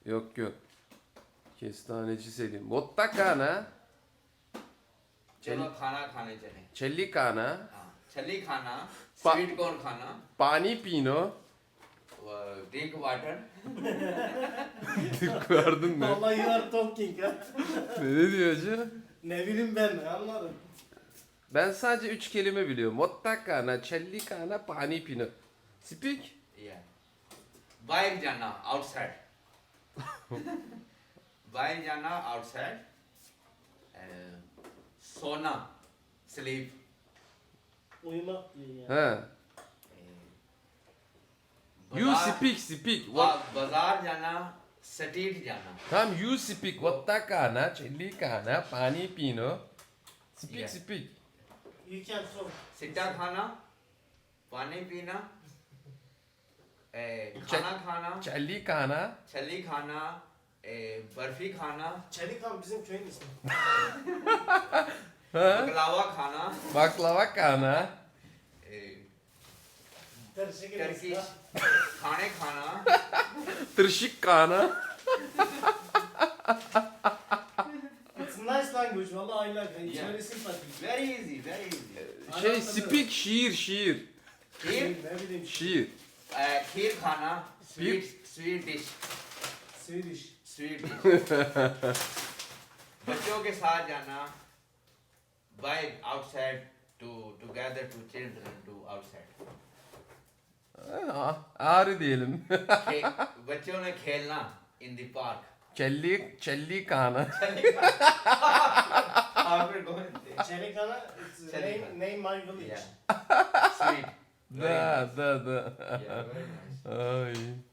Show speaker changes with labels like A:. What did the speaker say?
A: Yok yok. Kestaneci Selim. Botta kana.
B: चलो खाना खाने चले
A: Çelli kana.
B: हाँ छली खाना
A: पा-
B: स्वीट कॉर्न खाना
A: Pani pino.
B: Drink water
A: Gördün mü?
C: Vallahi you are talking ha.
A: Ne diyor hacı?
C: Ne bileyim ben anladım.
A: Ben sadece 3 kelime biliyorum. Botta kana, çelli kana, pani pino. Speak.
B: yeah बाहर जाना आउटसाइड बाहर जाना outside सोना sleep
C: Uyumak diyor yani.
A: Ha. You speak. What?
B: बाजार जाना स्ट्रीट जाना
A: Tamam you speak. Botta kana, çelli kana, pani pino. Speak
B: Yeah.
A: speak.
C: You can talk.
B: सिट्टा खाना पानी पीना खाना खाना
A: Çelli kana.
B: छली खाना बर्फी खाना
C: Çelikan bizim köyün ismi.
A: Ha?
B: बकलावा खाना
A: Baklava kana.
C: Karışık
B: टर्की खाने खाना
A: Tırşık kana.
C: It's nice language. Vallahi I like it. It's
B: Yeah.
C: very sympathetic.
B: very easy very easy
A: Şey speak şiir.
B: Kheer
C: Ne bileyim.
A: Şiir.
B: खीर खाना sweet dish
C: Swedish.
B: Sweet dish बच्चों के साथ जाना by outside to gather to children to outside
A: Ağrı diyelim.
B: बच्चों ने खेलना in the park
A: Çelli kana.
B: After going there.
C: Çelikana, it's
B: Çelikan.
C: name my village.
B: Yeah. Sweet. Very
A: Da
B: nice.
A: da da.
B: Yeah, very nice.
A: Ay.